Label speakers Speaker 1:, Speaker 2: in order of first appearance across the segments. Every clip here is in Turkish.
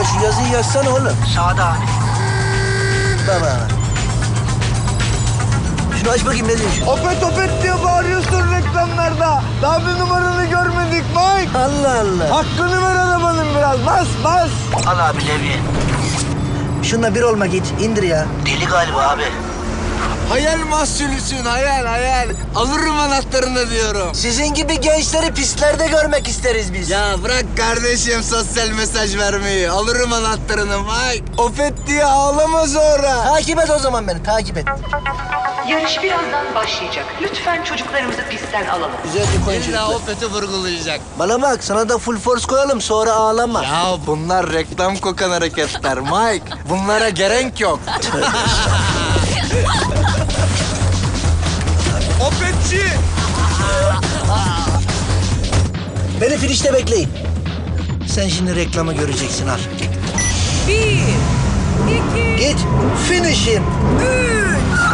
Speaker 1: şu yazıyı yazsana oğlum.
Speaker 2: Sağda abi.
Speaker 1: Baba. Şunu aç bakayım ne diyor şu?
Speaker 3: Opet opet diye bağırıyorsun reklamlarda. Daha bir numaranı görmedik Mike.
Speaker 1: Allah Allah.
Speaker 3: Hakkını ver arabanın biraz. Bas bas.
Speaker 2: Al abi levye.
Speaker 1: Şununla bir olma git. İndir ya.
Speaker 2: Deli galiba abi.
Speaker 3: Hayal mahsulüsün hayal. Alırım anahtarını diyorum.
Speaker 1: Sizin gibi gençleri pistlerde görmek isteriz biz.
Speaker 3: Ya bırak kardeşim sosyal mesaj vermeyi. Alırım anahtarını Mike. Opet diye ağlama sonra.
Speaker 1: Takip et o zaman beni, takip et.
Speaker 4: Yarış birazdan başlayacak. Lütfen çocuklarımızı pistten alalım.
Speaker 1: Güzelce koyun
Speaker 3: İlla
Speaker 1: çocuklar.
Speaker 3: Opet'i vurgulayacak.
Speaker 1: Bana bak, sana da full force koyalım, sonra ağlama.
Speaker 3: Ya bunlar reklam kokan hareketler Mike. Bunlara gerek yok. Opetçi!
Speaker 1: Beni finişte bekleyin. Sen şimdi reklamı göreceksin, al.
Speaker 5: 1, 2,
Speaker 1: Git, finish him.
Speaker 5: 3.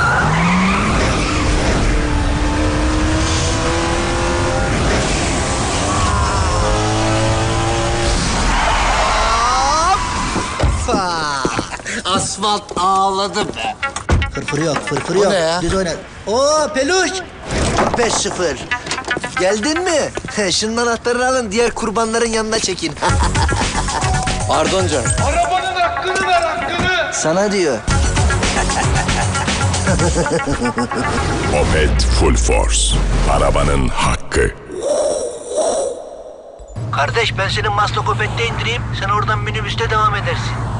Speaker 3: Asfalt ağladı be.
Speaker 1: Fırfır yok, fırfır
Speaker 3: O
Speaker 1: yok.
Speaker 3: ne ya?
Speaker 1: Düz oyna. Oo peluş. 5-0. Geldin mi? Şunun anahtarını alın, diğer kurbanların yanına çekin.
Speaker 3: Pardon canım.
Speaker 6: Arabanın hakkını ver hakkını.
Speaker 1: Sana diyor.
Speaker 7: Opet Full Force. Arabanın hakkı.
Speaker 2: Kardeş ben seni Maslak Opet'te indireyim. Sen oradan minibüste devam edersin.